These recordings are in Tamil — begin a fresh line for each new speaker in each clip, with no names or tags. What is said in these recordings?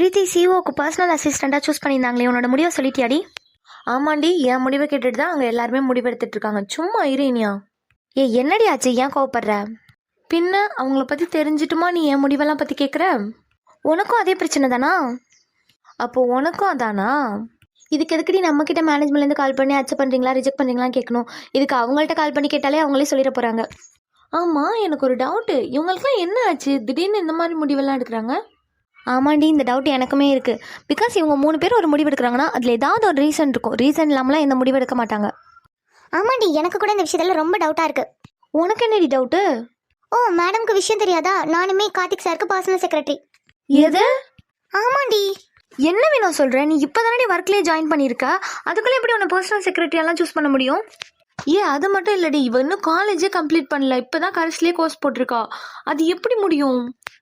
பிரீத்தி சிஓக்கு பர்சனல் அசிஸ்டண்ட்டாக சூஸ் பண்ணியிருந்தாங்களே, உன்னோட முடிவை சொல்லிட்டியாடி?
ஆமாண்டி, என் முடிவை கேட்டுட்டு தான் அங்கே எல்லாருமே முடிவெடுத்துட்டு இருக்காங்க. சும்மா இனியா.
என்னடி ஆச்சு, ஏன் கோவப்படுற?
பின்ன அவங்கள பற்றி தெரிஞ்சிட்டுமா நீ என் முடிவெல்லாம் பற்றி கேட்குற?
உனக்கும் அதே பிரச்சனை தானா?
அப்போ உனக்கும் அதானா?
இதுக்கு எதுக்கடி நம்மக்கிட்ட மேனேஜ்மெண்ட்லேருந்து கால் பண்ணி அக்செப்ட் பண்ணுறீங்களா ரிஜெக்ட் பண்ணுறீங்களான்னு கேட்கணும். இதுக்கு அவங்கள்ட்ட கால் பண்ணி கேட்டாலே அவங்களே சொல்லிட போகிறாங்க.
ஆமாம், எனக்கு ஒரு டவுட்டு. இவங்களுக்குலாம் என்ன ஆச்சு, திடீர்னு இந்த மாதிரி முடிவெல்லாம் எடுக்கிறாங்க?
ஆமாண்டி, இந்த டவுட் எனக்குமே இருக்குது. பிகாஸ் இவங்க 3 பேர் ஒரு முடிவு எடுக்கிறாங்கன்னா அதில் ஏதாவது ஒரு ரீசன் இருக்கும். ரீசன் இல்லாமலாம் எந்த முடிவு எடுக்க மாட்டாங்க.
ஆமாண்டி, எனக்கு கூட இந்த விஷயத்தில் ரொம்ப டவுட்டாக இருக்குது.
உனக்கு என்னடி டவுட்டு?
ஓ, மேடம்க்கு விஷயம் தெரியாதா? நானுமே கார்த்திக் சாருக்கு பர்சனல் செக்ரட்டரி.
எது?
ஆமாண்டி.
என்ன வேணும் சொல்கிறேன்? நீ இப்போ தானே ஒர்க்லேயே ஜாயின் பண்ணியிருக்க, அதுக்குள்ளே எப்படி உன்னை பர்சனல் செக்ரட்டரியெல்லாம் சூஸ் பண்ண முடியும்?
அது மட்டும் இல்லடி, இவ இன்னும் காலேஜே கம்ப்ளீட் பண்ணல, இப்போ தான் கரஸ்லேயே கோர்ஸ் போட்டிருக்கா. அது எப்படி முடியும்?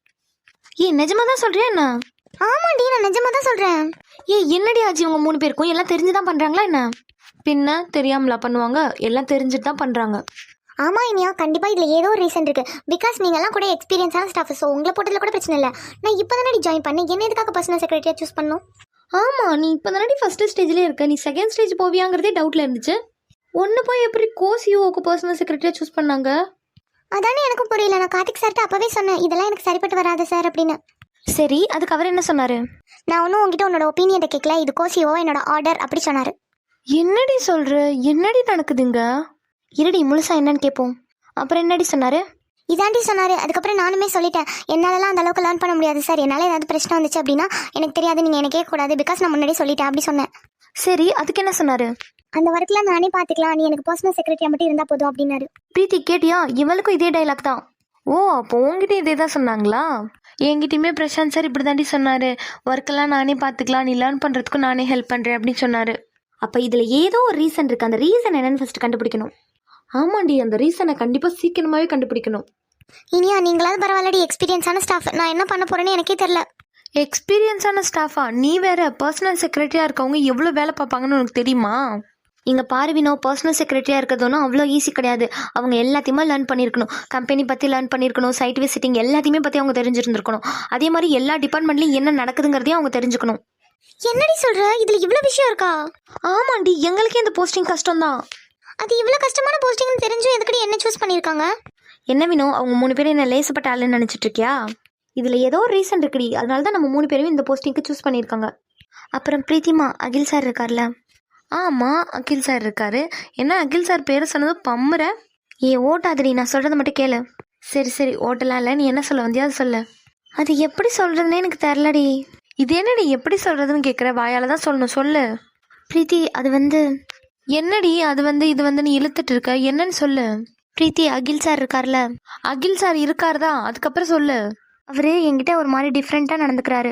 நிஜமாக தான் சொல்கிறியா என்ன?
ஆமாண்டி, நான் நிஜமாக தான் சொல்கிறேன்.
என்னடி ஆச்சு இவங்க 3 பேருக்கும்? எல்லாம் தெரிஞ்சு தான் பண்ணுறாங்களா என்ன?
பின்ன தெரியாமலா பண்ணுவாங்க? எல்லாம் தெரிஞ்சுட்டு தான் பண்ணுறாங்க.
ஆமாம் இனியா, கண்டிப்பாக இதில் ஏதோ ஒரு ரீசன் இருக்குது. பிகாஸ் நீங்கள்லாம் கூட எக்ஸ்பீரியன்ஸான ஸ்டாஃப். ஸோ உங்களை போட்டதில் கூட பிரச்சனை இல்லை. நான் இப்போ தானே ஜாயின் பண்ணேன், என்ன எதுக்காக பர்சனல் செக்ரட்டரியாக சூஸ் பண்ணணும்?
ஆமாம், நீ இப்போ தானே ஃபஸ்ட்டு ஸ்டேஜ்லேயே இருக்க. நீ செகண்ட் ஸ்டேஜ் போவியாங்கிறதே டவுட்டில் இருந்துச்சு. ஒன்று போய் எப்படி சிஓக்கு பர்சனல் செக்ரட்டரியாக சூஸ் பண்ணாங்க?
அதானே எனக்கும் புரியல. நான் கார்த்திக் சார்கிட்ட அப்போவே சொன்னேன், இதெல்லாம் எனக்கு சரிப்பட்டு வராது சார் அப்படின்னு.
சரி, அதுக்கு அவர் என்ன சொன்னார்?
நான் ஒன்றும் உங்ககிட்ட உன்னோட ஒப்பீனியன் கேட்கல, இது சிஓ என்னோட ஆர்டர் அப்படி சொன்னார்.
என்னடி சொல்கிற? என்னடி நடக்குதுங்க? இருடி, முழுசா என்னன்னு கேட்போம். அப்புறம் என்னடி சொன்னார்?
இதாண்டி சொன்னார். அதுக்கப்புறம் நானுமே சொல்லிட்டேன், என்னாலலாம் அந்த அளவுக்கு லேர்ன் பண்ண முடியாது சார். என்னால் ஏதாவது பிரச்சனை வந்துச்சு அப்படின்னா எனக்கு தெரியாது, நீங்கள் எனக்கு கேட்கக்கூடாது. பிகாஸ் நான் முன்னாடியே சொல்லிட்டேன் அப்படி சொன்னேன்.
சரி, அதுக்கு என்ன சொன்னார்?
அந்த ஒர்க்கில் நானே பார்த்துக்கலாம், நீ எனக்கு பர்சனல் செக்ரட்டரியாக மட்டும் இருந்தால் போதும் அப்படின்னாரு.
பிரீத்தி கேட்டியா? இவளுக்கும் இதே டைலாக் தான்.
ஓ, அப்போ உங்ககிட்ட இதே தான் சொன்னாங்களா? என்கிட்டயுமே பிரசாந்த் சார் இப்படி தாண்டி சொன்னார். ஒர்க்கெல்லாம் நானே பார்த்துக்கலாம், நீ லேர்ன் பண்ணுறதுக்கும் நானே ஹெல்ப் பண்ணுறேன் அப்படின்னு சொன்னார்.
அப்போ இதில் ஏதோ ஒரு ரீசன் இருக்குது. அந்த ரீசன் என்னன்னு ஃபஸ்ட்டு கண்டுபிடிக்கணும்.
ஆமாண்டி, அந்த ரீசனை கண்டிப்பாக சீக்கிரமாகவே கண்டுபிடிக்கணும்.
இனியா, நீங்களாவது பரவாயில்லடி, எக்ஸ்பீரியன்ஸான ஸ்டாஃப். நான் என்ன பண்ண போகிறேன்னு எனக்கே தெரில.
எக்ஸ்பீரியன்ஸான ஸ்டாஃபா? நீ வேற பர்சனல் செக்ரட்டரியாக இருக்கவங்க எவ்வளோ வேலை பார்ப்பாங்கன்னு உனக்கு தெரியுமா?
இங்கே பாருவினோ, பர்சனல் செக்ரட்டரியாக இருக்கிறதுனா அவ்வளோ ஈஸி கிடையாது. அவங்க எல்லாத்தையுமே லேர்ன் பண்ணியிருக்கணும். கம்பெனி பற்றி லேர்ன் பண்ணியிருக்கணும், சைட் விசிட்டிங் எல்லாத்தையுமே பற்றி அவங்க தெரிஞ்சிருந்துருக்கணும். அதே மாதிரி எல்லா டிபார்ட்மெண்ட்லையும் என்ன நடக்குதுங்கிறதையும் அவங்க தெரிஞ்சுக்கணும்.
என்னடி சொல்கிற? இதில் இவ்வளோ விஷயம் இருக்கா?
ஆமாண்டி, எங்களுக்கே இந்த போஸ்டிங் கஷ்டம்தான்.
அது இவ்வளோ கஷ்டமான போஸ்டிங்னு தெரிஞ்சும் எதுக்கடி என்ன சூஸ் பண்ணியிருக்காங்க?
என்ன வேணும்? அவங்க 3 பேரும் என்ன லேசப்பட்ட ஆளுன்னு நினச்சிட்டு இருக்கியா? இதில் ஏதோ ஒரு ரீசன் இருக்குடி. அதனால தான் நம்ம 3 பேரும் இந்த போஸ்டிங்க்கு சூஸ் பண்ணியிருக்காங்க. அப்புறம் பிரீத்திமா, அகில் சார் இருக்கார்ல?
ஆமாம், அகில் சார் இருக்காரு. என்ன அகில் சார் பேரை சொன்னது பம்முற?
ஓட்டாதடி, நான் சொல்கிறத மட்டும் கேளு.
சரி சரி, ஓட்டலாம் இல்லை. நீ என்ன சொல்ல வந்தியா அது சொல்லு.
அது எப்படி சொல்கிறதுனே எனக்கு தெரிலடி.
இது என்னடி எப்படி சொல்கிறதுன்னு கேட்குற? வாயால் தான் சொல்லணும், சொல்லு.
பிரீத்தி, அது வந்து
என்னடி அது வந்து இது வந்து நீ இழுத்துட்டு இருக்க? என்னன்னு சொல்லு.
பிரீத்தி, அகில் சார் இருக்கார்ல?
அகில் சார் இருக்கார் தான், அதுக்கப்புறம் சொல்லு.
அவர் என்கிட்ட ஒரு மாதிரி டிஃப்ரெண்ட்டாக நடந்துக்கிறாரு.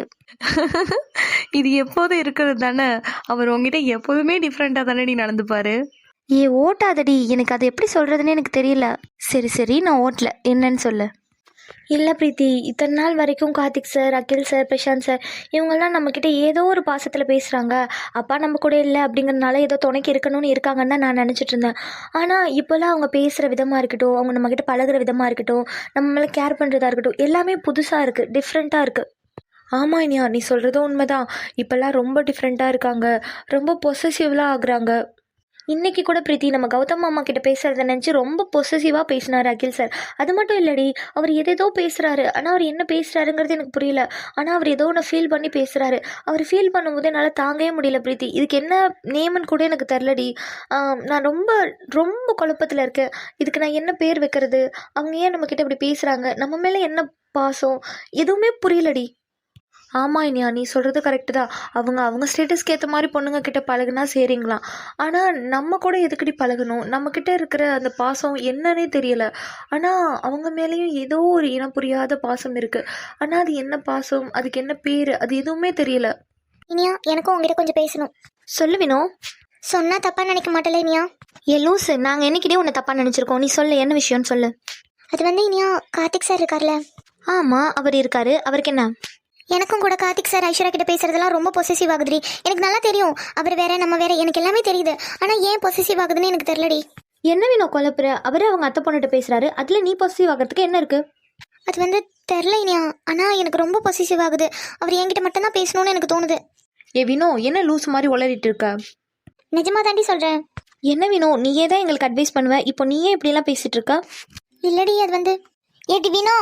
இது எப்போதும் இருக்கிறது தானே. அவர் உங்ககிட்ட எப்போதுமே டிஃப்ரெண்ட்டாக தானே நீ நடந்துப்பாரு.
ஓட்டாதடி, எனக்கு அது எப்படி சொல்கிறதுன்னு எனக்கு தெரியல.
சரி சரி, நான் ஓட்டல, என்னன்னு சொல்லு.
இல்லை பிரீத்தி, இத்தனை நாள் வரைக்கும் Karthik sir, Akhil sir, Prashanth sir இவங்கெல்லாம் நம்மக்கிட்ட ஏதோ ஒரு பாசத்தில் பேசுகிறாங்க. அப்பா நம்ம கூட இல்லை அப்படிங்கிறதுனால ஏதோ துணைக்கு இருக்கணும்னு இருக்காங்கன்னு தான் நான் நினச்சிட்டு இருந்தேன். ஆனால் இப்போல்லாம் அவங்க பேசுகிற விதமாக இருக்கட்டும், அவங்க நம்மக்கிட்ட பழகுற விதமாக இருக்கட்டும், நம்மளை கேர் பண்ணுறதா இருக்கட்டும், எல்லாமே புதுசாக இருக்குது, டிஃப்ரெண்ட்டாக இருக்குது.
ஆமாம் இனியா, நீ சொல்கிறதும் உண்மைதான். இப்போல்லாம் ரொம்ப டிஃப்ரெண்ட்டாக இருக்காங்க, ரொம்ப பொசசிவ்லாம் ஆகுறாங்க.
இன்றைக்கி கூட பிரீத்தி நம்ம கௌதம் மாமா கிட்ட பேசுகிறத நினச்சி ரொம்ப பொசசிவாக பேசினார் அகில் சார். அது மட்டும் இல்லடி, அவர் எதேதோ பேசுகிறாரு. ஆனால் அவர் என்ன பேசுகிறாருங்கிறது எனக்கு புரியல. ஆனால் அவர் ஏதோ ஒன்று ஃபீல் பண்ணி பேசுகிறாரு. அவர் ஃபீல் பண்ணும்போது என்னால் தாங்கவே முடியல பிரீத்தி. இதுக்கு என்ன நேம்னு கூட எனக்கு தெரிலடி. நான் ரொம்ப ரொம்ப குழப்பத்தில் இருக்கேன். இதுக்கு நான் என்ன பேர் வைக்கிறது? அவங்க ஏன் நம்மக்கிட்ட இப்படி பேசுகிறாங்க? நம்ம மேலே என்ன பாசம்? எதுவுமே புரியலடி.
ஆமாம் இனியா, நீ சொல்கிறது கரெக்டு தான். அவங்க ஸ்டேட்டஸ்க்கு ஏற்ற மாதிரி பொண்ணுங்க கிட்ட பழகுனா சரிங்களாம். ஆனால் நம்ம கூட எதுக்கடி பழகணும்? நம்மக்கிட்ட இருக்கிற அந்த பாசம் என்னன்னே தெரியல. ஆனால் அவங்க மேலேயும் ஏதோ ஒரு இனம் புரியாத பாசம் இருக்குது. ஆனால் அது என்ன பாசம், அதுக்கு என்ன பேர், அது எதுவுமே தெரியல.
இனியா, எனக்கும் உங்ககிட்ட கொஞ்சம் பேசணும்.
சொல்லுவினோ?
சொன்னால் தப்பாக நினைக்க மாட்டேல இனியா?
லூசு, நாங்கள் என்னைக்கிட்டே உன்னை தப்பாக நினச்சிருக்கோம். நீ சொல்லு, என்ன விஷயம்னு சொல்லு.
அது வந்து இனியா, கார்த்திக் சார் இருக்கார்ல?
ஆமாம், அவர் இருக்காரு. அவருக்கு என்ன?
எனக்கும் கூட கார்த்திக் சார் ஐஸ்வர்யா கிட்ட பேசுறதெல்லாம் ரொம்ப பொசசிவ் ஆகுதுடி. எனக்கு நல்லா தெரியும், அவர் வேற நம்ம வேற, எனக்கு எல்லாமே தெரியுது. ஆனால் ஏன் பொசசிவ் ஆகுதுன்னு எனக்கு தெரியலடி.
என்ன வேணும் குழப்புற? அவரு அவங்க அத்தை பொண்ணுகிட்ட பேசுறாரு, அதில் நீ பொசசிவ் ஆகிறதுக்கு என்ன இருக்குது?
அது வந்து தெரில இனியா. ஆனால் எனக்கு ரொம்ப பொசிசிவ் ஆகுது. அவர் என்கிட்ட மட்டும்தான் பேசணும்னு எனக்கு தோணுது.
ஏ வினோ, என்ன லூஸ் மாதிரி உளறிட்டு இருக்க?
நிஜமா தாண்டி சொல்கிறேன்.
என்ன வினோ, நீயே தான் எங்களுக்கு அட்வைஸ் பண்ணுவ, இப்போ நீயே இப்படியெல்லாம் பேசிட்டு இருக்க?
இல்லடி அது வந்து ஏட்டி வினோ.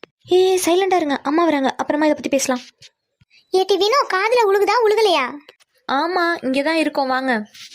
சைலண்டாக இருங்க, அம்மா வராங்க, அப்புறமா இதை பற்றி பேசலாம்.
ஏட்டி வினோ, காதில் உழுகுதா உழுகலையா?
ஆமாம், இங்கே தான் இருக்கோம், வாங்க.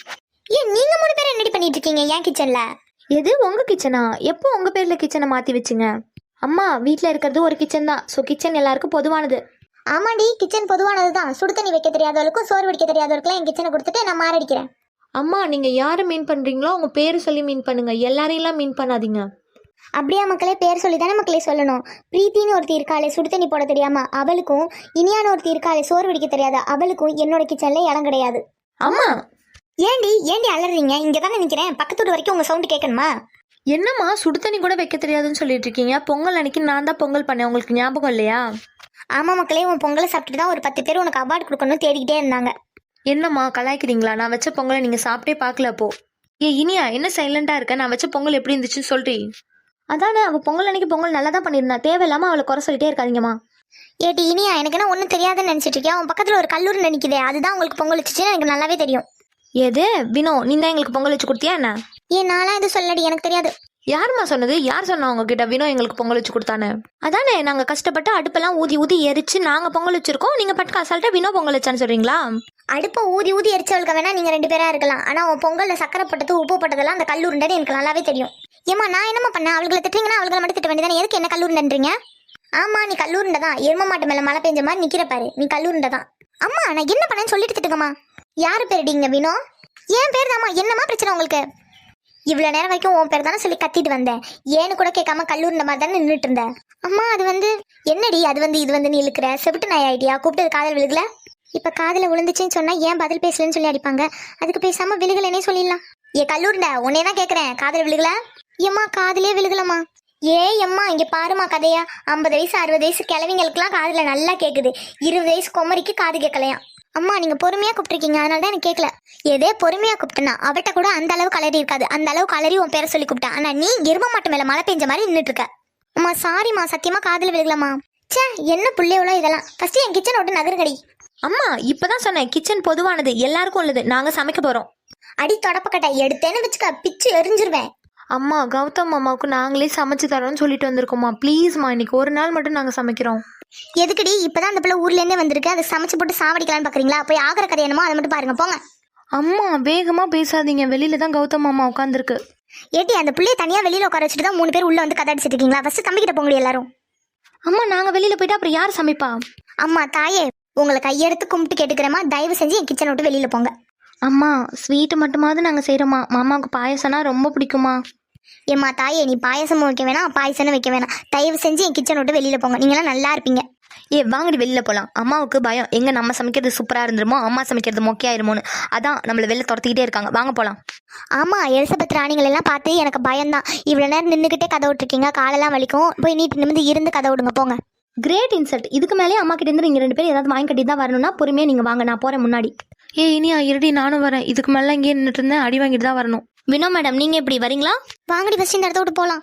ஏன் நீங்கள் 3 பேரும் என்னடி பண்ணிட்டு இருக்கீங்க என் கிச்சனில்?
எது உங்கள் கிச்சனா? எப்போ உங்கள் பேரில் கிச்சனை மாற்றி வச்சுங்க? அம்மா, வீட்டில் இருக்கிறது ஒரு கிச்சன் தான், ஸோ கிச்சன் எல்லாருக்கும் பொதுவானது.
ஆமாடி, கிச்சன் பொதுவானது தான். சுடு தண்ணி வைக்க தெரியாதவளுக்கும் சோறு வடிக்க தெரியாதவளுக்குலாம் என் கிச்சனை கொடுத்துட்டு நான் மாரடிக்கிறேன்.
அம்மா, நீங்கள் யாரை மீன் பண்ணுறீங்களோ அவங்க பேர் சொல்லி மீன் பண்ணுங்க, எல்லாரையெல்லாம் மீன் பண்ணாதீங்க.
அப்படியா மக்களே? பேர் சொல்லி தானே மக்களே சொல்லணும். பிரீத்தின்னு ஒருத்தி இருக்காளே சுடு தண்ணி போட தெரியாம அவளுக்கும், இனியான ஒருத்தி இருக்காளே சோறு வடிக்க தெரியாத அவளுக்கும் என்னோட கிச்சன்ல இடம் கிடையாது.
அம்மா,
ஏண்டி அலறீங்க? இங்கே தானே நிற்கிறேன், பக்கத்து வீடு வரைக்கும் உங்கள் சவுண்டு கேட்கணுமா?
என்னம்மா சுடு தண்ணி கூட வைக்க தெரியாதுன்னு சொல்லிட்டு இருக்கீங்க? பொங்கல் அன்னைக்கு நான் தான் பொங்கல் பண்ணேன், உங்களுக்கு ஞாபகம் இல்லையா?
ஆமாம் மக்களே, உன் பொங்கலை சாப்பிட்டுட்டு தான் ஒரு 10 பேர் உனக்கு அவார்டு கொடுக்கணும்னு தேடிக்கிட்டே இருந்தாங்க.
என்னம்மா கலாய்க்கிறீங்களா? நான் வச்ச பொங்கலை நீங்கள் சாப்பிட்டே பார்க்கல அப்போ. இனியா, என்ன சைலண்டாக இருக்க? நான் வச்ச பொங்கல் எப்படி இருந்துச்சுன்னு சொல்றீ?
அதானே, அவள் பொங்கல் அன்னைக்கு பொங்கல் நல்லா தான் பண்ணியிருந்தா, தேவையில்லாமல் அவளை குறை சொல்லிட்டே இருக்காதீங்கம்மா.
ஏட்டி இனியா, எனக்கு என்ன ஒன்றும் தெரியாதுன்னு நினச்சிட்டு இருக்கியா? உன் பக்கத்தில் ஒரு கல்லூரி நினைக்குதே, அதுதான் உங்களுக்கு பொங்கல் வச்சுச்சுன்னு எனக்கு நல்லாவே தெரியும்.
எது வினோ, நீ தான் எங்களுக்கு பொங்கல் வச்சு கொடுத்தியா என்ன?
ஏன் நான்லாம் எதுவும் சொல்லடி, எனக்கு தெரியாது.
யாரும்மா சொன்னது? யார் சொன்னா உங்ககிட்ட வினோ எங்களுக்கு பொங்கல் வச்சு கொடுத்தானே?
அதானே, நாங்கள் கஷ்டப்பட்டு அடுப்பெல்லாம் ஊதி ஊதி எரிச்சு நாங்கள் பொங்கல் வச்சிருக்கோம், நீங்கள் பட்டுக்கு அசால்ட்டா வினோ பொங்கல் வச்சான்னு சொல்கிறீங்களா?
அடுப்பை ஊதி ஊதி எரிச்சவளுக்கு வேணா நீங்கள் 2 பேராக இருக்கலாம். ஆனால் உன் பொங்கலில் சக்கரை போட்டது உப்பு போட்டதெல்லாம் அந்த கல்லூரின்றது எனக்கு நல்லாவே தெரியும். ஏம்மா, நான் என்னம்மா பண்ணேன்? அவளுகளை திட்டுறீங்கன்னா அவளுகளை மட்டும் திட்ட வேண்டியதானே, எதுக்கு என்ன கல்லூரின்றீங்க? ஆமாம், நீ கல்லூரிண்ட தான். எரும மாட்டு மேலே மழை பெஞ்ச மாதிரி நிற்கிற பாரு, நீ கல்லூரிண்ட தான். அம்மா, நான் என்ன பண்ணேன்னு சொல்லிட்டு திட்டுங்கம்மா. யார் பேருடிங்க வினோ? ஏன் பேர் தாம்மா, என்னம்மா பிரச்சனை உங்களுக்கு? இவ்வளோ நேரம் வரைக்கும் உன் பேர் தானே சொல்லி கத்திட்டு வந்தேன், ஏன்னு கூட கேட்காம கல்லூரிண்ட மாதிரி தானே நின்றுட்டு இருந்தேன். அம்மா, அது வந்து என்னடி அது வந்து இது வந்து நீ இழுக்கிற செவிட்டு நாய் ஐடியா? கூப்பிட்டு காதல் விழுகல? இப்போ காதில் விழுந்துச்சுன்னு சொன்னால் ஏன் பதில் பேசலன்னு சொல்லி அடிப்பாங்க, அதுக்கு பேசாமல் விழுகலன்னே சொல்லிடலாம். ஏ கல்லூரிண்ட, உன்னே தான் கேட்குறேன், காதில் விழுகல? ஏம்மா, காதிலே விழுகலம்மா. எம்மா இங்கே பாருமா கதையா, 50 வயசு 60 வயசு கிழவிங்களுக்குலாம் காதில் நல்லா கேட்குது, 20 வயசு குமரிக்கு காது கேட்கலையா? அம்மா, நீங்கள் பொறுமையாக கூப்பிட்ருக்கீங்க, அதனால தான் எனக்கு கேட்கல. ஏதே பொறுமையாக கூப்பிட்டேன்னா அவட்ட கூட அந்த அளவு கலரி இருக்காது, அந்த அளவு கலரி உன் பேரை சொல்லி கூப்பிட்டேன். ஆனால் நீ எரும மாட்டு மேலே மழை பெஞ்ச மாதிரி நின்றுட்டு இருக்க. அம்மா சாரிம்மா, சத்தியமாக காதில் விழுகலம்மா. சே, என்ன பிள்ளையவளோ இதெல்லாம். ஃபஸ்ட்டு என் கிச்சன் விட்டு நகருங்கடி.
அம்மா, இப்போதான் சொன்னேன், கிச்சன் பொதுவானது, எல்லாருக்கும் உள்ளது, நாங்கள் சமைக்க போகிறோம்.
அடி தொடப்பக்கட்டை எடுத்தேன்னு வச்சுக்க, பிச்சு எரிஞ்சிருவேன்.
அம்மா, கௌதம் அம்மாவுக்கு நாங்களே சமைச்சு தரோம்னு சொல்லிட்டு வந்திருக்கோம்மா, ப்ளீஸ்மா இன்னைக்கு ஒரு நாள் மட்டும் நாங்கள் சமைக்கிறோம்.
எதுக்குடி? இப்பதான் அந்த பிள்ளை ஊர்லேருந்தே வந்திருக்கு, அதை சமைச்சு போட்டு சாவடிக்கலான்னு பார்க்குறீங்களா? போய் ஆகிற கதை என்னமோ அதை மட்டும் பாருங்க, போங்க.
அம்மா, வேகமாக பேசாதீங்க, வெளியில தான் கௌதம் அம்மா உட்காந்துருக்கு.
ஏட்டி, அந்த பிள்ளையை தனியாக வெளியில் உட்கார வச்சுட்டு தான் 3 பேர் உள்ளே வந்து கதை அடிச்சிட்டு இருக்கீங்களா? ஃபஸ்ட்டு தம்பிக்கிட்ட போங்க எல்லாரும்.
அம்மா, நாங்கள் வெளியில் போயிட்டா அப்புறம் யார் சமைப்பா?
அம்மா தாயே, உங்களை கையெடுத்து கும்பிட்டு கேட்டுக்கிறேம்மா, தயவு செஞ்சு என் கிச்சனை விட்டு வெளியில் போங்க.
அம்மா, ஸ்வீட்டு மட்டுமாவது நாங்கள் செய்கிறோம்மா, மாமாவுக்கு பாயசம்னா ரொம்ப பிடிக்குமா?
ஏம்மா தாயே, நீ பாயசமும் வைக்க வேணாம் பாயசமும் வைக்க வேணாம், தயவு செஞ்சு என் கிச்சனை விட்டு வெளியில் போங்க, நீங்களாம் நல்லா இருப்பீங்க.
வாங்கடி வெளியில் போகலாம். அம்மாவுக்கு பயம், எங்கே நம்ம சமைக்கிறது சூப்பராக இருந்துருமோ, அம்மா சமைக்கிறது மொக்கையாயிருமோன்னு, அதான் நம்மளை வெளில துரத்திக்கிட்டே இருக்காங்க, வாங்க போகலாம்.
ஆமாம், எலிசபெத் ராணிகள் எல்லாம் பார்த்து எனக்கு பயம்தான். இவ்வளோ நேரம் நின்றுக்கிட்டே கதை விட்டுருக்கீங்க, காலெல்லாம் வலிக்கும், போய் நீட்டு நிமிந்து இருந்து கதை விடுங்க, போங்க.
Great insult. இதுக்கு மேலே அம்மா கிட்ட இருந்து நீங்கள் 2 பேரும் ஏதாவது வாங்கி கட்டி தான் வரணும்னா பொறுமையாக நீங்கள் வாங்க, நான் போகிறேன் முன்னாடி.
இனியா இருடி, நானும் வரேன். இதுக்கு மேலே இங்கே நின்றுட்டு இருந்தேன், அடி வாங்கிட்டு தான் வரணும்.
வினோ மேடம், நீங்கள் எப்படி வரீங்களா?
வாங்கடி, ஃபஸ்ட் இந்த இடத்த விட்டு போகலாம்.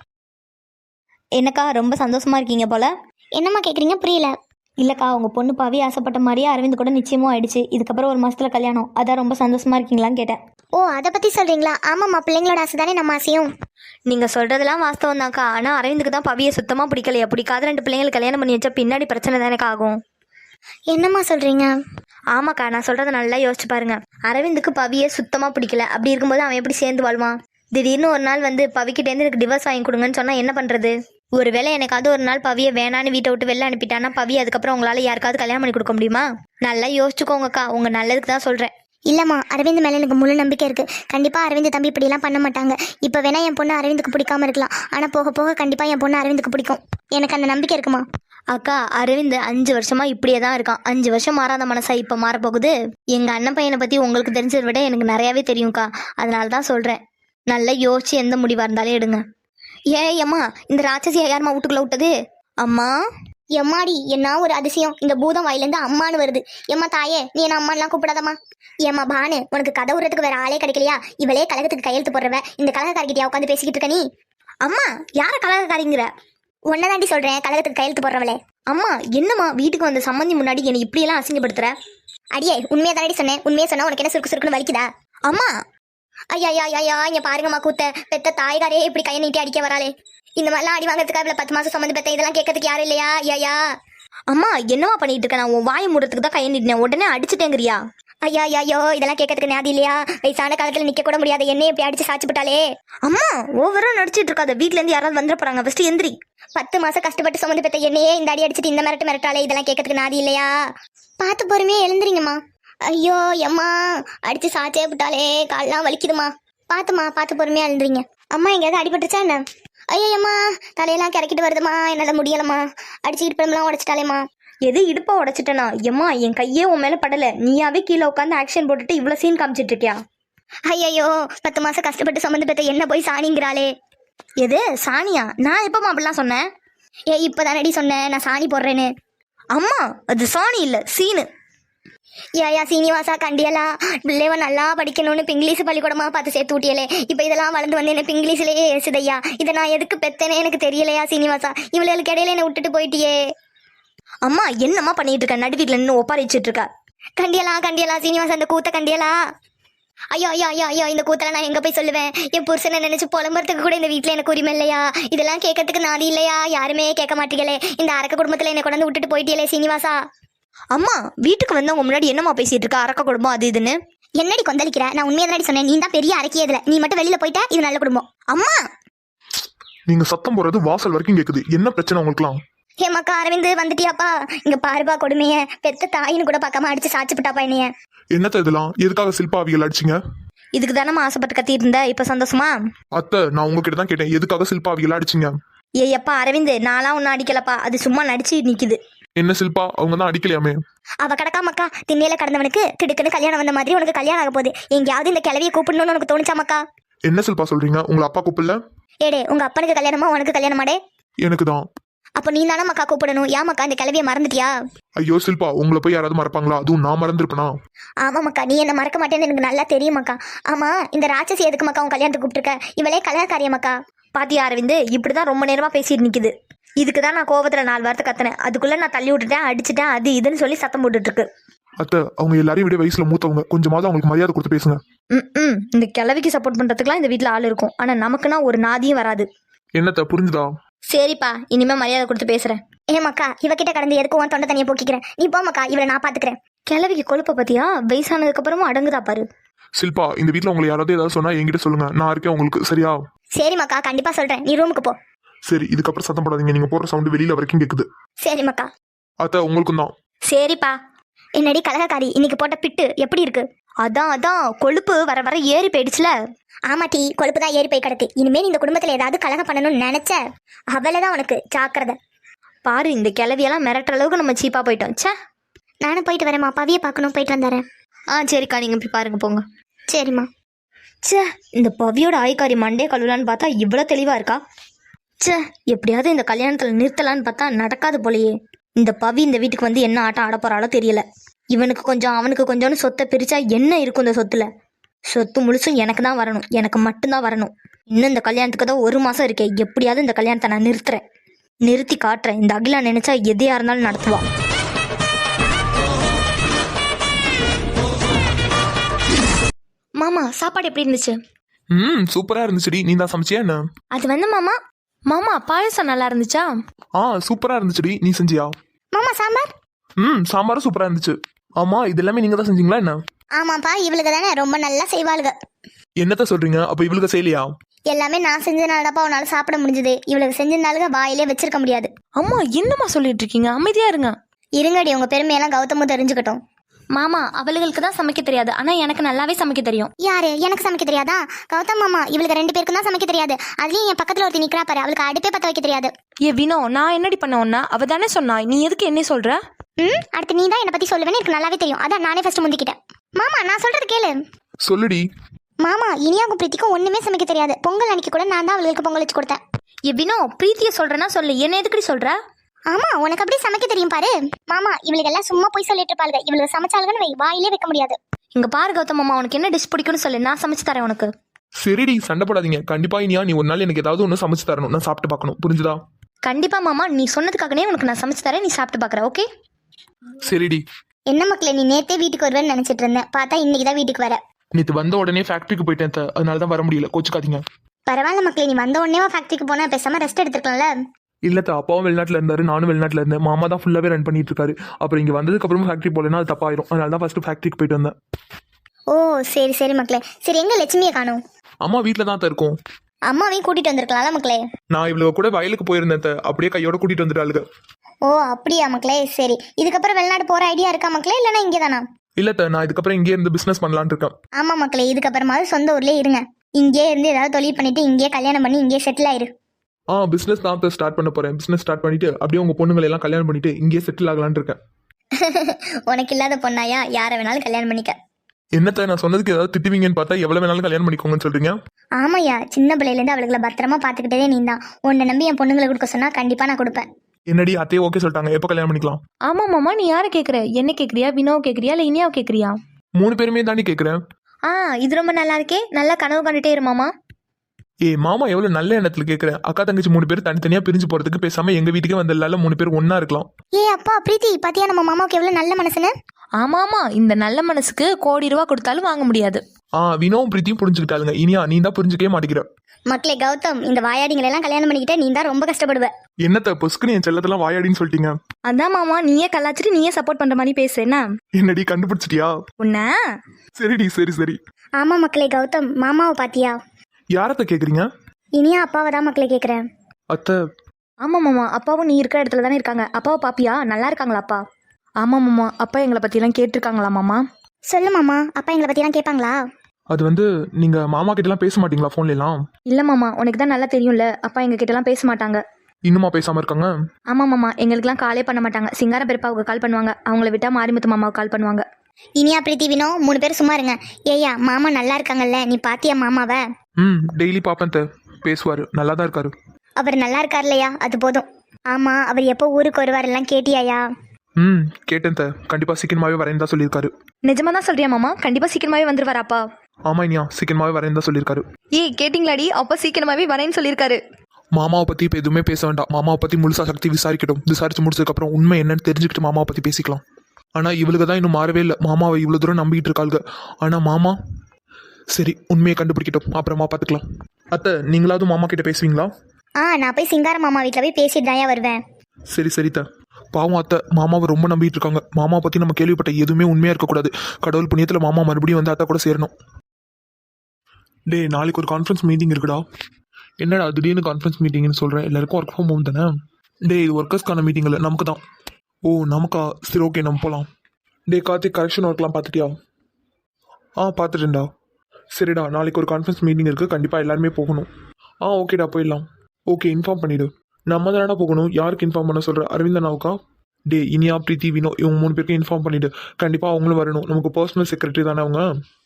என்னக்கா ரொம்ப சந்தோஷமா இருக்கீங்க போல?
என்னம்மா கேட்குறீங்க? புரியல.
இல்லைக்கா, உங்கள் பொண்ணு பாவி ஆசைப்பட்ட மாதிரியே அரவிந்த் கூட நிச்சயமும் ஆயிடுச்சு, இதுக்கப்புறம் 1 மாதத்தில் கல்யாணம், அதான் ரொம்ப சந்தோஷமா இருக்கீங்களான்னு கேட்டேன்.
ஓ, அதை பற்றி சொல்கிறீங்களா? ஆமாம்மா, பிள்ளைங்களோட ஆசை தானே நம்ம ஆசையும்.
நீங்கள் சொல்கிறதெல்லாம் வாஸ்தவம் தான்க்கா, ஆனால் அரவிந்துக்கு தான் பவியை சுத்தமாக பிடிக்கலையா, பிடிக்காத 2 பிள்ளைங்களுக்கு கல்யாணம் பண்ணி வச்சா பின்னாடி பிரச்சனை தானேக்கா ஆகும்.
என்னம்மா சொல்கிறீங்க?
ஆமாக்கா, நான் சொல்கிறத நல்லா யோசிச்சு பாருங்க. அரவிந்துக்கு பவியை சுத்தமாக பிடிக்கல, அப்படி இருக்கும்போது அவன் எப்படி சேர்ந்து வாழ்வான்? திடீர்னு ஒரு நாள் வந்து பவிக்கிட்டேருந்து எனக்கு டிவோர்ஸ் வாங்கி கொடுங்கன்னு சொன்னால் என்ன பண்ணுறது? ஒருவேளை எனக்காவது ஒரு நாள் பவியை வேணான்னு வீட்டை விட்டு வெளில அனுப்பிட்டானா பவி அதுக்கப்புறம் உங்களால் யாருக்காவது கல்யாணம் பண்ணி கொடுக்க முடியுமா? நல்லா யோசிச்சுக்கோங்கக்கா, உங்கள் நல்லதுக்கு தான் சொல்கிறேன்.
இல்லைம்மா, அரவிந்த் மேலே எனக்கு முழு நம்பிக்கை இருக்குது. கண்டிப்பாக அரவிந்த் தம்பி இப்படிலாம் பண்ண மாட்டாங்க. இப்போ வேணா என் பொண்ணு அரவிந்துக்கு பிடிக்காம இருக்கலாம், ஆனால் போக போக கண்டிப்பாக என் பொண்ணு அரவிந்துக்கு பிடிக்கும், எனக்கு அந்த நம்பிக்கை இருக்குமா?
அக்கா, அரவிந்த் 5 வருஷமா இப்படியே தான் இருக்கான். 5 வருஷம் மாறாத மனசா இப்போ மாறப்போகுது? எங்கள் அண்ணன் பையனை பற்றி உங்களுக்கு தெரிஞ்சதை விட எனக்கு நிறையாவே தெரியும்க்கா, அதனால தான் சொல்கிறேன். நல்லா யோசிச்சு எந்த முடிவாக இருந்தாலும் எடுங்க. அம்மா, இந்த ராட்சசியை யாருமா வீட்டுக்குள்ள விட்டது? அம்மா,
எம்மாடி, என்ன ஒரு அதிசயம், இந்த பூதம் வாயிலேருந்து அம்மானு வருது. எம்மா தாயே, நீ என்ன அம்மான்லாம் கூப்பிடாதம்மா. ஏம்மா பானு, உனக்கு கதை விடுறதுக்கு வேற ஆளே கிடைக்கலையா? இவளே கழகத்துக்கு கையெழுத்து போடுறவ, இந்த கழகக்காரிக்கிட்டயா உட்காந்து பேசிக்கிட்டு இருக்க நீ?
அம்மா, யாரை கலகக்காரிங்கிற?
உன்னதாண்டி சொல்றேன், கழகத்துக்கு கையெழுத்து போடுறவளே.
அம்மா என்னம்மா வீட்டுக்கு வந்த சம்மந்தி முன்னாடி என்னை இப்படியெல்லாம் அசிங்கப்படுத்துற?
அடியே உண்மையா தானடி சொன்னேன். உண்மையா சொன்னா உனக்கு என்ன சுருக்கு சுருக்குன்னு வலிக்குதா?
அம்மா
ஐயா ஐயா ஐயா இங்க பாருங்கம்மா கூத்த. பெத்த தாய்காரே இப்படி கையை நீட்டி அடிக்க வராளே. இந்த மாதிரிலாம் அடி வாங்குறதுக்கு அவளை 10 மாசம் சம்மந்தி பெத்த இதெல்லாம் கேட்கறதுக்கு யாரும் இல்லையா? ஐயா
அம்மா என்னம்மா பண்ணிட்டு இருக்க? நான் உன் வாயை மூடுறதுக்கு தான் கையை நீட்டினேன், உடனே அடிச்சுட்டேங்கிறியா?
ஐயா ஐயோ இதெல்லாம் கேட்கறதுக்கு ஞாதி இல்லையா? வயசான காலத்துல நிக்க கூட முடியாத என்னை இப்படி அடிச்சு சாச்சு போட்டாலே.
அம்மா ஓவரா நடிச்சிட்டு இருக்காத, வீட்ல இருந்து யாராவது வந்துட போறாங்க, ஃபர்ஸ்ட் எந்திரி.
10 மாசம் கஷ்டப்பட்டு சுமந்து பெத்த என்னையே இந்த அடி அடிச்சுட்டு இந்த மிரட்டாலே. இதெல்லாம் கேட்கறதுக்கு நாதி இல்லையா? பார்த்து பொறுமையா எழுந்துறீங்கம்மா. ஐயோ எம்மா அடிச்சு சாச்சே விட்டாலே, கால்லாம் வலிக்குதுமா. பார்த்து பொறுமையா எழுந்துறீங்க. அம்மா எங்கேயாவது அடிபட்டுருச்சா என்ன? ஐயோ அம்மா தலையெல்லாம் கிறக்கிட்டு வருதுமா, என்னால முடியலம்மா. அடிச்சுக்கிட்டு பெருமெல்லாம் உடைச்சிட்டாலேம்மா.
எது இடுப்பா உடைச்சிட்டனா? எம்மா என் கையே உன் மேல படல, நீயாவே கீழே உட்காந்து ஆக்ஷன் போட்டுட்டு இவ்வளவு சீன் காமிச்சிட்டு இருக்கியா?
ஐயோ 10 மாசம் கஷ்டப்பட்டு சுமந்து பெத்த என்ன போய் சாணிங்கிறாளே.
எது சாணியா? நான் எப்பமா அப்படிலாம் சொன்னேன்?
இப்பதானடி சொன்னேன் நான் சாணி போடுறேன்னு.
அம்மா அது சாணி இல்ல, சீனு.
ஏயா சீனிவாசா கண்டியலா பிள்ளைவ நல்லா படிக்கணும்னு இங்கிலீஷ் பள்ளிக்கூடமா பார்த்து சேர்த்து ஊட்டியலே. இப்ப இதெல்லாம் வளர்ந்து வந்து என்ன இங்கிலீஷ்லயே ஏசுதையா. இதை நான் எதுக்கு பெத்தனே எனக்கு தெரியலையா சீனிவாசா. இவளுக்கு இடையில என்ன விட்டுட்டு போயிட்டியே.
அம்மா என்னம்மா பண்ணிட்டு இருக்க? நடு வீட்டுல நின்று ஒப்பாரிச்சிட்டு இருக்க.
கண்டியலா சீனிவாசா இந்த கூத்த கண்டியலா. ஐயோ ஐயோ ஐயோ ஐயோ இந்த கூத்தல நான் எங்க போய் சொல்லுவேன்? என் புருஷனை நினைச்சு புலம்புறதுக்கு கூட இந்த வீட்டுல எனக்கு உரிமை இல்லையா? இதெல்லாம் கேட்கறதுக்கு நாதி இல்லையா? யாருமே கேட்க மாட்டீங்களே. இந்த அரக்க குடும்பத்துல என்ன கொண்டு விட்டுட்டு போயிட்டியலே சீனிவாசா.
அம்மா வீட்டுக்கு வந்தவங்க முன்னாடி என்னம்மா பேசிட்டு இருக்க? அரக்க குடும்பம் அது இதுன்னு.
என்னடி கொந்தளிக்கிற? நான் உண்மையை தானடி சொன்னேன். நீ தான் பெரிய அரக்கியதுல. நீ மட்டும் வெளியில போயிட்டா இது நல்ல குடும்பம்.
அம்மா
நீங்க சத்தம் போறது வாசல் வரைக்கும் கேக்குது. என்ன பிரச்சனை உங்களுக்குலாம்?
ஏமாக்கா அரவிந்த் வந்துட்டியாப்பா? இங்க பாருப்பா கொடுமைய. பெத்த தாயின்னு கூட பார்க்காம அடிச்சு சாச்சு விட்டாப்பா என்னைய.
என்னத்த இதெல்லாம்? எதுக்காக சில்பா அவிகள் அடிச்சிங்க?
இதுக்கு தானம்மா ஆசைப்பட்டு கத்திட்டு இருந்த, இப்ப சந்தோஷமா?
அத்தை நான் உங்ககிட்ட தான் கேட்டேன், எதுக்காக சில்பா அவிகள் அடிச்சிங்க?
ஏப்பா அரவிந்த், நான்லாம் ஒன்னும் அடிக்கலப்பா, அது சும்மா நடிச்சு நிக்குது.
என்ன சில்பா அவங்க தான் அடிக்கலையாமே?
அவ கிடக்காமக்கா திண்ணையில கடந்தவனுக்கு திடுக்குன்னு கல்யாணம் வந்த மாதிரி உனக்கு கல்யாணம் ஆக போகுது. எங்கேயாவது இந்த கிளவியை கூப்பிடணும்னு உனக்கு தோணுச்சாமக்கா?
என்ன சில்பா சொல்றீங்க? உங்களை அப்பா கூப்பிடல?
ஏடே உங்க அப்பனுக்கு கல்யாணமா உனக்கு கல்யாணமாடே?
எனக்கு தான்.
அப்போ நீ தானே மக்கா கூப்பிடணும். ஏமாக்கா இந்த கிளவியை மறந்துட்டியா?
ஐயோ சில்பா உங்களை போய் யாராவது மறப்பாங்களா? அதுவும் நான் மறந்துருப்பேனா?
ஆமாம்க்கா நீ என்ன மறக்க மாட்டேன்னு எனக்கு நல்லா தெரியுமாக்கா. ஆமா இந்த ராட்சசி எதுக்கு மக்கா உன் கல்யாணத்துக்கு கூப்பிட்டுருக்க? இவளே கல்யாணக்காரியமாக்கா.
பாத்தியா அரவிந்த், இப்படிதான் ரொம்ப நேரமா பேசிட்டு நிக்குது. இதுக்குதான் நான் கோவத்துல 4 வார்த்தை கத்தினேன். அதுக்குள்ள நான் தள்ளி விட்டுட்டேன், அடிச்சுட்டேன், அது இதுன்னு சொல்லி சத்தம் போட்டுட்டு இருக்கு.
அத்தை அவங்க எல்லாரையும் விட வயசுல மூத்தவங்க, கொஞ்சமாவது அவங்களுக்கு மரியாதை கொடுத்து பேசுங்க.
இந்த கிழவிக்கு சப்போர்ட் பண்றதுக்குலாம் இந்த வீட்டுல ஆள் இருக்கும், ஆனா நமக்குன்னா ஒரு நாதியும் வராது.
என்னத்த புரிஞ்சுதா?
சரிப்பா, இனிமே மரியாதை கொடுத்து பேசுறேன்.
ஏமாக்கா இவகிட்ட கடந்து எதுக்கு உன் தொண்டை தனியை போக்கிக்கிறேன்? நீ போமாக்கா, இவளை நான் பாத்துக்கிறேன்.
கிழவிக்கு கொழுப்ப பத்தியா? வயசானதுக்கு அப்புறமும் அடங்குதா பாரு.
சில்பா இந்த வீட்டுல உங்களை யாராவது ஏதாவது சொன்னா என்கிட்ட சொல்லுங்க, நான் இருக்கேன் உங்களுக்கு. சரியா?
சரிம்மாக்கா கண்டிப்பா சொல்றேன். நீ ரூமுக்கு போ.
சரி இதுக்கப்புறம் சத்தம் போடாதீங்க, நீங்க போற சவுண்ட் வெளியில வரைக்கும் கேக்குது.
சரிம்மாக்கா.
அத்தை உங்களுக்கும் தான்.
சரிப்பா.
என்னடி கலகக்காரி இன்னைக்கு போட்ட பிட்டு எப்படி இருக்கு?
அதான் கொழுப்பு வர வர ஏறி போயிடுச்சுல.
ஆமாட்டி கொழுப்பு தான் ஏறி போய் கிடக்கு. இனிமே நீ இந்த குடும்பத்துல ஏதாவது கலகம் பண்ணணும்னு நினைச்ச அவளைதான் உனக்கு ஜாக்கிரதை.
பாரு இந்த கிழவியெல்லாம் மிரட்டுற அளவுக்கு நம்ம சீப்பா போயிட்டோம். சே
நானும் போயிட்டு வரேம்மா, பவியை பார்க்கணும், போயிட்டு வந்துடுறேன்.
சரிக்கா, நீங்க போய் பாருங்க போங்க.
சரிம்மா.
சே இந்த பவியோட ஆய்காரி மண்டே கழுவலான்னு பார்த்தா இவ்வளோ தெளிவா இருக்கா. சே எப்படியாவது இந்த கல்யாணத்துல நிறுத்தலான்னு பார்த்தா நடக்காது போலயே. இந்த பவி இந்த வீட்டுக்கு வந்து என்ன ஆட்டம் ஆட போறாளோ தெரியல. இவனுக்கு கொஞ்சம் அவனுக்கு கொஞ்சம்னு சொத்தை பிரிச்சா என்ன இருக்கும் இந்த சொத்துல? சொத்து முழுசும் எனக்கு தான் வரணும், எனக்கு மட்டும்தான் வரணும். இன்னும் இந்த கல்யாணத்துக்கு தான் 1 மாசம் இருக்கே. எப்படியாவது இந்த கல்யாணத்தை நான் நிறுத்தி காட்டுறேன். இந்த அகிலா நினைச்சா எதையா இருந்தாலும் நடத்துவா. மாமா சாப்பாடு எப்படி இருந்துச்சு?
சூப்பரா இருந்துச்சுடி. நீ தான் சமைச்சியா என்ன?
அது வந்து மாமா பாயசம் நல்லா இருந்துச்சா?
சூப்பரா இருந்துச்சுடி. நீ செஞ்சியா?
மாமா சாம்பார்?
சாம்பாரும் சூப்பரா இருந்துச்சு. ஆமா இது எல்லாமே நீங்க தான் செஞ்சீங்களா என்ன?
ஆமாப்பா இவளுக்கு தானே ரொம்ப நல்லா செய்வாளுங்க.
என்னத்த சொல்றீங்க? அப்ப இவளுக்கு செய்யலையா?
எல்லாமே நான் செஞ்சனாலதாப்பா உன்னால சாப்பிட முடிஞ்சது. இவளுக்கு செஞ்சனாலுங்க வாயிலே வச்சிருக்க முடியாது.
அம்மா என்னம்மா சொல்லிட்டு இருக்கீங்க? அமைதியா இருங்க.
இருங்கடி உங்க பெருமையெல்லாம் கௌதமும் தெரிஞ்சுக்கட்டும்.
மாமா அவளுகளுக்கு தான் சமைக்க தெரியாது, ஆனா எனக்கு நல்லாவே சமைக்க தெரியும்.
யாரு? எனக்கு சமைக்க தெரியாதா? கௌதம் மாமா இவளுக்கு 2 பேருக்கும் தான் சமைக்க தெரியாது. அதுலயும் என் பக்கத்துல ஒருத்தி நிக்கிறா பாரு, அவளுக்கு அடுப்பே பத்த வைக்க தெரியாது.
ஏ வினோ, நான் என்னடி பண்ண உன்ன? அவ தானே சொன்னா, நீ எதுக்கு என்ன சொல்ற?
அடுத்து நீ தான் என்ன பத்தி சொல்லுவேன்னு எனக்கு நல்லாவே தெரியும். அதான் நானே ஃபர்ஸ்ட் முந்திக்கிட்டேன். மாமா நான் சொல்றது கேளு.
சொல்லுடி.
மாமா இனியாக்கும் பிரீத்திக்கும் ஒண்ணுமே சமைக்க தெரியாது. பொங்கல் அன்னைக்கு கூட நான் தான் அவளுக்கு பொங்கல் வச்சு கொடுத்தேன்.
ஏ வினோ, பிரீத்திய சொல்றேன்னா சொல்லு, என்ன எதுக்கடி சொல்ற?
ஆமா உனக்கு அப்படி சமைக்க தெரியும் பாரு. மாமா இவளுக்கு எல்லாம் சும்மா போய் சொல்லிட்டு இருப்பாளுங்க. இவளுக்கு சமைச்சாளுங்கன்னு வை, வாயிலே வைக்க முடியாது.
இங்க பாரு கௌதம் மாமா, உனக்கு என்ன டிஷ் பிடிக்கும்னு சொல்லு, நான் சமைச்சு தரேன் உனக்கு.
சரிடி சண்டை போடாதீங்க. கண்டிப்பா இனியா நீ ஒரு நாள் எனக்கு ஏதாவது ஒன்று சமைச்சு தரணும், நான் சாப்பிட்டு பார்க்கணும். புரிஞ்சுதா?
கண்டிப்பாக மாமா, நீ சொன்னதுக்காகனே உனக்கு நான் சமைச்சு தரேன், நீ சாப்பிட்டு பார்க்குற. ஓகே?
சரிடி.
என்ன மக்களே, நீ நேத்தே வீட்டுக்கு வருவேன்னு நினைச்சிட்டு இருந்தேன், பார்த்தா இன்னைக்கு தான் வீட்டுக்கு வர.
நேற்று வந்த உடனே ஃபேக்ட்ரிக்கு போயிட்டேன் அத்தை. அதனால தான் வர முடியல, கோச்சுக்காதீங்க.
பரவாயில்ல மக்களே, நீ வந்த உடனே ஃபேக்டரிக்கு போனா பேசாம ரெஸ்ட் எடுத்துக்கலாம்ல.
இல்லத்த, அப்பாவும் வெளிநாட்டில் இருந்தாரு, நானும் வெளிநாட்டில் இருந்தேன். மாமா தான் ஃபுல்லாகவே ரன் பண்ணிட்டு இருக்காரு. அப்புறம் இங்கே வந்ததுக்கு அப்புறமா ஃபேக்ட்ரி போலனா அது தப்பாயிரும். அதனால தான் ஃபர்ஸ்ட் ஃபேக்ட்ரிக்கு போயிட்டு வந்தேன்.
ஓ சரி சரி மக்களே. சரி, எங்க லட்சுமியை காணோம்?
அம்மா வீட்டில் தான் இருக்கும்.
அம்மாவையும் கூட்டிட்டு வந்திருக்கலாம்ல மக்களே.
நான் இவ்வளவு கூட வயலுக்கு போயிருந்தேன் அத்தை. அப்படியே கையோட கூட்டிட்டு வந்துட்டாளுங்க.
ஓ அப்படியா மக்களே. சரி, இதுக்கப்புறம் வெளிநாடு போற ஐடியா இருக்கா மக்களே, இல்லைன்னா இங்கே தானா?
இல்லத்த, நான் இதுக்கப்புறம் இங்கே இருந்து பிசினஸ் பண்ணலான்னு இருக்கேன்.
ஆமா மக்களே, இதுக்கப்புறமாவது சொந்த ஊர்லயே இருங்க. இங்கே இருந்து ஏதாவது தொழில் பண்ணிட்டு இங்கேயே கல்யாணம் பண்ணி இங்கேயே செட்டில் ஆயிரு.
பிசினஸ் தான் ஸ்டார்ட் பண்ண போறேன். பிசினஸ் ஸ்டார்ட் பண்ணிட்டு அப்படியே உங்க பொண்ணுங்களை எல்லாம் கல்யாணம் பண்ணிட்டு இங்கேயே செட்டில் ஆகலான்னு இருக்கேன்.
உனக்கு இல்லாத பொண்ணாயா, யாரை வேணாலும் கல்யாணம் பண்ணிக்க.
என்னத்த, நான் சொன்னதுக்கு ஏதாவது திட்டுவீங்கன்னு பார்த்தா எவ்வளவு வேணாலும் கல்யாணம் பண்ணிக்கோங்கன்னு சொல்றீங்க.
ஆமாய்யா, சின்ன பிள்ளையிலேருந்து அவளுகளை பத்திரமா பார்த்துக்கிட்டதே நீ தான். உன்னை நம்பி என் பொண்ணுங்களை கொடுக்க சொன்னா கண்டிப்பா நான் கொடுப்பேன்.
என்னடி அத்தையே ஓகே சொல்லிட்டாங்க, எப்போ கல்யாணம் பண்ணிக்கலாம்?
ஆமாம் மாமா, நீ யாரை கேட்குற? என்ன கேட்குறியா? வினோவை கேட்குறியா இல்லை இனியாவை கேட்குறியா?
3 பேருமே தாண்டி கேட்குறேன்.
இது ரொம்ப நல்லா இருக்கே. நல்லா கனவு கண்டுட்டே இரு மாமா.
மாமா எவ்வளவு நல்ல எண்ணத்துல கேட்குறேன். அக்கா தங்கச்சி 3 பேர் தனித்தனியா பிரிஞ்சு போறதுக்கு பேசாம எங்க வீட்டுக்கே வந்ததுல 3 பேர் ஒண்ணா இருக்கலாம்.
அப்பா பிரீத்தி, பாத்தியா நம்ம மாமாவுக்கு எவ்வளவு நல்ல மனசுன்னு?
ஆமாமா, இந்த நல்ல மனசுக்கு கோடி ரூபா கொடுத்தாலும் வாங்க முடியாது.
வினோவும் பிரீத்தியும் புரிஞ்சுக்கிட்டாளுங்க. இனியா நீ தான் புரிஞ்சுக்கவே மாட்டேங்கிற.
மக்களே, கௌதம், இந்த வாயாடிங்களை எல்லாம் கல்யாணம் பண்ணிக்கிட்ட நீ தான் ரொம்ப கஷ்டப்படுவ.
என்னத்த பொசுக்குன்னு என் செல்லத்தெல்லாம் வாயாடின்னு சொல்லிட்டீங்க.
அதான் மாமா, நீயே கலாச்சிட்டு நீயே சப்போர்ட் பண்ற மாதிரி பேசு. என்ன
என்னடி கண்டுபிடிச்சிட்டியா?
உன்ன
சரிடி, சரி சரி.
ஆமா மக்களே, கௌதம் மாமாவை பாத்தியா?
யாரத்த கேக்குறீங்க?
இனியா அப்பாவை தான் மக்களே கேக்குறேன்.
அத்தை.
ஆமாம் மாமா, அப்பாவும் நீ இருக்கிற இடத்துல தானே இருக்காங்க. அப்பாவை பாப்பியா? நல்லா இருக்காங்களா அப்பா? ஆமாம் மாமா, அப்பா எங்களை பற்றியெல்லாம் கேட்டிருக்காங்களா மாமா?
சொல்லு மாமா, அப்பா எங்களை பத்திலாம் கேட்பாங்களா?
அது வந்து நீங்க மாமா கிட்ட எல்லாம் பேச மாட்டீங்களா போன்ல எல்லாம்?
இல்லை மாமா, உனக்கு தான் நல்லா தெரியும்ல, அப்பா எங்க கிட்டலாம் பேச மாட்டாங்க.
இன்னுமா பேசாம இருக்காங்க?
ஆமாம் மாமா, எங்களுக்குலாம் காலே பண்ண மாட்டாங்க. சிங்கார பெருப்பாவுக்கு கால் பண்ணுவாங்க, அவங்கள விட்டா மாரிமுத்து மாமாவுக்கு கால் பண்ணுவாங்க.
இனியா பிரீத்தி வினோ 3 பேர் சும்மா இருங்க. ஏய்யா, மாமா நல்லா இருக்காங்கல்ல, நீ பாத்தியா மாமாவை?
டெய்லி பாப்பேன் தே, பேசுவாரு, நல்லா தான் இருக்காரு.
அவர் நல்லா இருக்கார் இல்லையா, அது போதும். ஆமா, அவர் எப்போ ஊருக்கு வருவார் எல்லாம் கேட்டியாயா?
கேட்டேன் தே, கண்டிப்பா சீக்கிரமாவே வரேன்னு தான் சொல்லியிருக்காரு.
நிஜமா தான் சொல்றியா மாமா? கண்டிப்பா சீக்கிரமாவே வந்துருவாராப்பா?
ஆமா இனியா, சீக்கிரமாவே வரேன்னு தான் சொல்லியிருக்காரு.
கேட்டிங்களாடி, அப்பா சீக்கிரமாவே வரேன்னு சொல்லியிருக்காரு.
மாமாவை பத்தி இப்ப எதுவுமே பேச வேண்டாம். மாமாவை பத்தி முழுசா சக்தி விசாரிக்கட்டும். விசாரிச்சு முடிச்சதுக்கு அப்புறம் உண்மை என்னன்னு தெரிஞ்சுக்கிட்டு மாமாவை பத்தி பேசிக்கலாம். ஆனா இவளுக்கு தான் இன்னும் மாறவே இல்லை. மாமாவை இவ்வளவு தூரம் நம்பிக்கிட்டு இருக்காளுங்க. ஆனா மாமா சரி உண்மையை கண்டுபிடிக்கட்டும், அப்புறமா பார்த்துக்கலாம். அத்தை, நீங்களாவது மாமா கிட்ட பேசுவீங்களா?
நான் போய் சிங்கார மாமா வீட்டில் போய் பேசிட்டு தாயா வருவேன்.
சரி சரித்த. பாவம் அத்தை, மாமாவை ரொம்ப நம்பிட்டு இருக்காங்க. மாமாவை பத்தி நம்ம கேள்விப்பட்ட எதுவுமே உண்மையா இருக்கக்கூடாது. கடவுள் புண்ணியத்துல மாமா மறுபடியும் வந்து அத்தை கூட சேரணும். டே, நாளைக்கு ஒரு கான்ஃபரன்ஸ் மீட்டிங் இருக்குடா. என்னடா திடீர்னு கான்ஃபரன்ஸ் மீட்டிங்னு சொல்கிறேன்? எல்லாருக்கும் ஒர்க் ஃப்ரம் ஹோம் தானே? டே, இது ஒர்க்கர்ஸ்க்கான மீட்டிங் இல்லை, நமக்கு தான். ஓ நமக்கா? சரி ஓகே, நம்ம போகலாம். டே கார்த்திக், கரெக்ஷன் ஒர்க்லாம் பார்த்துட்டியா? பார்த்துட்டேன்டா. சரிடா, நாளைக்கு ஒரு கான்ஃபரன்ஸ் மீட்டிங் இருக்குது, கண்டிப்பாக எல்லாருமே போகணும். ஓகேடா, போயிடலாம். ஓகே, இன்ஃபார்ம் பண்ணிவிடு. நம்ம தானடா போகணும். யாருக்கு இன்ஃபார்ம் பண்ண சொல்கிற? அரவிந்தனாவுக்கா? டே, இனியா பிரீத்தி வினோ இவங்க 3 பேருக்கும் இன்ஃபார்ம் பண்ணிவிடு. கண்டிப்பாக அவங்களும் வரணும். நமக்கு பர்சனல் செக்ரட்டரி தானே அவங்க.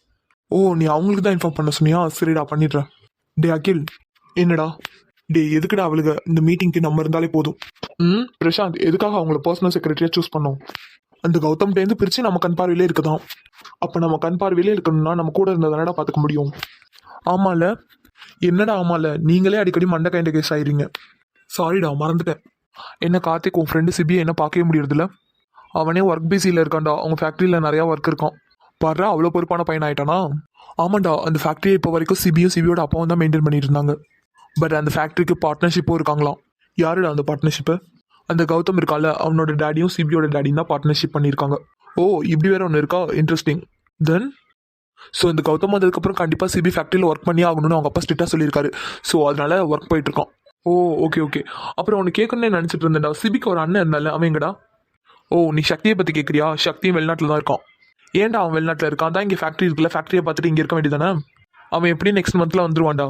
ஓ, நீ அவங்களுக்கு தான் இன்ஃபார்ம் பண்ண சொன்னியா? சரிடா, பண்ணிடுறேன். டே அகில். என்னடா? டே, எதுக்குடா அவளுக்கு இந்த மீட்டிங்க்கு நம்ம இருந்தாலே போதும். பிரசாந்த், எதுக்காக அவங்கள பர்சனல் செக்ரட்டரியா சூஸ் பண்ணோம்? அந்த கௌதம்கிட்டேருந்து பிரித்து நம்ம கண் பார்வையிலே இருக்குதான். அப்போ நம்ம கண் பார்வையிலே இருக்கணும்னா நம்ம கூட இருந்ததானடா பார்த்துக்க முடியும். ஆமால. என்னடா ஆமால, நீங்களே அடிக்கடி மண்டை கைண்ட கேஸ் ஆயிடுறீங்க. சாரிடா, மறந்துட்டேன். என்ன கார்த்திக், உன் ஃப்ரெண்டு சிபியை என்ன பார்க்கவே முடியறதில்ல? அவனே ஒர்க் பிஸியில் இருக்கான்டா. அவங்க ஃபேக்ட்ரியில் நிறையா ஒர்க் இருக்கான். பாரு, அவ்வளோ பொறுப்பான பையன் ஆயிட்டானா? ஆமாண்டா, அந்த ஃபேக்ட்ரியை இப்போ வரைக்கும் சிபியோட அப்பாவும் தான் மெயின்டைன் பண்ணிட்டு இருந்தாங்க. பட் அந்த ஃபேக்ட்ரிக்கு பார்ட்னர்ஷிப்பும் இருக்காங்களாம். யாருடா அந்த பார்ட்னர்ஷிப்பு? அந்த கௌதம் இருக்கால, அவனோட டேடியும் சிபியோட டேடியும் தான் பார்ட்னர்ஷிப் பண்ணியிருக்காங்க. ஓ, இப்படி வேற ஒன்று இருக்கா? இன்ட்ரெஸ்டிங். தென் ஸோ இந்த கௌதம் வந்ததுக்கப்புறம் கண்டிப்பாக சிபி ஃபேக்ட்ரியில் ஒர்க் பண்ணி ஆகணும்னு அவங்க அப்பா ஸ்ட்ரிக்டாக சொல்லியிருக்காரு. ஸோ அதனால ஒர்க் போயிட்டு இருக்கான். Oh okay okay. அப்புறம் அவனு கேட்கணுன்னு நினச்சிட்டு இருந்தேன்டா, சிபிக்கு ஒரு அண்ணன் இருந்தால, அவன் எங்கடா? ஓ, நீ சக்தியை பற்றி கேட்குறியா? சக்தியும் வெளிநாட்டில் தான் இருக்கான். ஏன்டா அவன் வெளிநாட்டில் இருக்கான்? தான் இங்கே ஃபேக்ட்ரி இருக்குல்ல, ஃபேக்ட்ரியை பார்த்துட்டு இங்கே இருக்க வேண்டியதானே? அவன் எப்படி நெக்ஸ்ட் மந்த்தில் வந்துருவான்டா.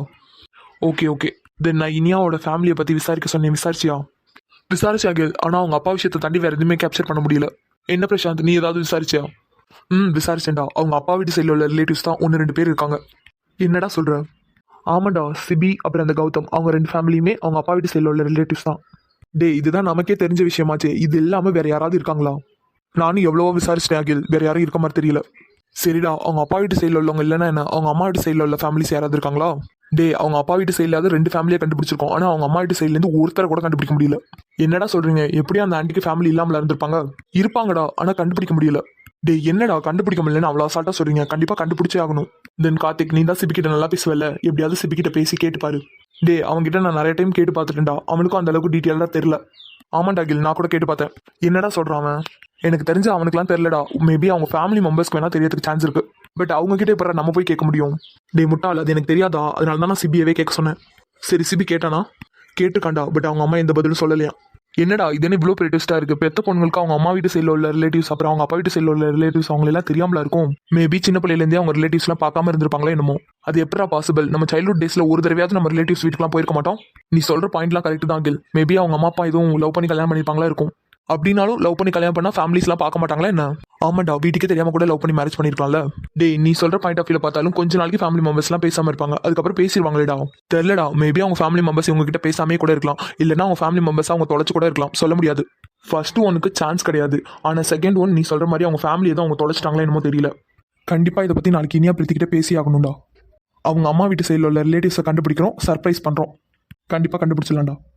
Okay okay. தென் நான் இனியாவோட ஃபேமிலியை பற்றி விசாரிக்க சொன்னேன், விசாரிச்சியா? விசாரிச்சாக, ஆனால் அவங்க அப்பா விஷயத்தை தாண்டி வேறு எதுவுமே கேப்சர் பண்ண முடியல. என்ன பிரசாந்த், நீ ஏதாவது விசாரிச்சியா? விசாரிச்சேன்டா. அவங்க அப்பா வீட்டு சைடில் உள்ள ரிலேட்டிவ்ஸ் தான் 1-2 பேர் இருக்காங்க. என்னடா சொல்கிற? ஆமாண்டா, சிபி அப்புறம் அந்த கௌதம் அவங்க 2 ஃபேமிலியுமே அவங்க அப்பா வீட்டு சைடில் உள்ள ரிலேட்டிவ்ஸ் தான். டே, இதுதான் நமக்கே தெரிஞ்ச விஷயமாச்சே. இது இல்லாமல் வேறு யாராவது இருக்காங்களா? நானும் எவ்வளவோ விசாரிச்சிட்டேன் அகில், வேறு யாரும் இருக்க மாதிரி தெரியல. சரிடா, அவங்க அப்பா வீட்டு சைடில் உள்ளவங்க இல்லைன்னா என்ன, அவங்க அம்மா வீட்டு சைடில் உள்ள ஃபேமிலிஸ் யாராவது இருக்காங்களா? டே அவங்க அப்பா வீட்டு சைட்லாவது 2 ஃபேமிலியை கண்டுபிடிச்சிருக்கோம், ஆனால் அவங்க அம்மா வீட்டு சைட்லேருந்து ஒருத்தரை கூட கண்டுபிடிக்க முடியல. என்னடா சொல்றீங்க? எப்படியும் அந்த ஆண்டிக்கு ஃபேமிலி இல்லாமல் இருந்திருப்பாங்க. இருப்பாங்கடா, ஆனால் கண்டுபிடிக்க முடியல. டே என்னடா கண்டுபிடிக்க முடியலன்னு அவ்வளோ அசால்ட்டா சொல்றீங்க? கண்டிப்பாக கண்டுபிடிச்சே ஆகணும். தென் கார்த்திக், நீ தான் சிபிக்கிட்ட நல்லா பேசுவல, எப்படியாவது சிபிக்கிட்ட பேசி கேட்டுப்பாரு. டே அவன்கிட்ட நான் நிறைய டைம் கேட்டு பார்த்துட்டேன்டா, அவனுக்கும் அந்த அளவுக்கு டீட்டெயிலாக தெரியல. ஆமாண்டா அகில், நான் கூட கேட்டு பார்த்தேன். என்னடா சொல்றான் அவன்? எனக்கு தெரிஞ்ச அவனுக்குலாம் தெரியலடா. மேபி அவங்க ஃபேமிலி மெம்பர்ஸ்க்கு வேணா தெரியறதுக்கு சான்ஸ் இருக்கு. பட் அவங்க கிட்ட இப்போ நம்ம போய் கேட்க முடியும்? டே முட்டாள், அது எனக்கு தெரியாதா? அதனால தான் நான் சிபியவே கேட்க சொன்னேன். சரி சிபி கேட்டானா? கேட்டுக்காண்டா. பட் அவங்க அம்மா எந்த பதிலும் சொல்லலையா. என்னடா இது என்ன இவ்வளோ பெரிய ட்விஸ்டா இருக்கு? பெத்த பொண்ணுங்களுக்கு அவங்க அம்மா வீட்டு சைடில் உள்ள ரிலேட்டிவ்ஸ், அப்புறம் அவங்க அப்பா வீட்டு சைடில் உள்ள ரிலேட்டிவ்ஸ் அவங்க எல்லாம் தெரியாமலா இருக்கும். மேபி சின்ன பிள்ளையிலேருந்தே அவங்க ரிலேட்டிவ்ஸ்லாம் பார்க்காம இருந்திருப்பாங்களே என்னமோ. அது எப்படா பாசிபிள்? நம்ம சைல்ட்ஹுட் டேஸ்ல ஒரு தடவையாவது நம்ம ரிலேட்டிவ்ஸ் வீட்டுக்குலாம் போயிருக்க மாட்டோம். நீ சொல்ற பாயிண்ட்லாம் கரெக்ட் தான் அகில். மேபி அவங்க அம்மா அப்பா எதுவும் லவ் பண்ணி கல்யாணம் பண்ணிருப்பாங்களா இருக்கும். அப்படின்னாலும் லவ் பண்ணி கல்யாணம் பண்ணா ஃபேமிலிஸ்லாம் பார்க்க மாட்டாங்களா என்ன? ஆமாண்டா, வீட்டுக்கே தெரியாம கூட லவ் பண்ணி மேரேஜ் பண்ணிருக்கலாம்ல. டே நீ சொல்ற பாயிண்ட் ஆஃப் வியூல பார்த்தாலும் கொஞ்ச நாளைக்கு ஃபேமிலி மெம்பர்ஸ்லாம் பேசாம இருப்பாங்க, அதுக்கப்புறம் பேசிடுவாங்களேடா. தெரியலடா, மேபி அவங்க ஃபேமிலி மெம்பர்ஸ் இவங்க கிட்ட பேசாமே கூட இருக்கலாம், இல்லைன்னா அவங்க ஃபேமிலி மெம்பர்ஸ் அவங்க தொலைச்சு கூட இருக்கலாம், சொல்ல முடியாது. ஃபர்ஸ்ட் ஒனுக்கு சான்ஸ் கிடையாது, ஆனா செகண்ட் ஒன் நீ சொல்ற மாதிரி அவங்க ஃபேமிலி எதுவும் அவங்க தொலைச்சிட்டாங்களா என்னமோ தெரியல. கண்டிப்பா இதை பத்தி நாளைக்கு இனியா பிரீத்திக்கிட்ட பேசி ஆகணும்டா. அவங்க அம்மா வீட்டு சைடில் உள்ள ரிலேட்டிவ்ஸை கண்டுபிடிக்கிறோம், சர்ப்ரைஸ் பண்றோம். கண்டிப்பா கண்டுபிடிச்சிடலாம்டா.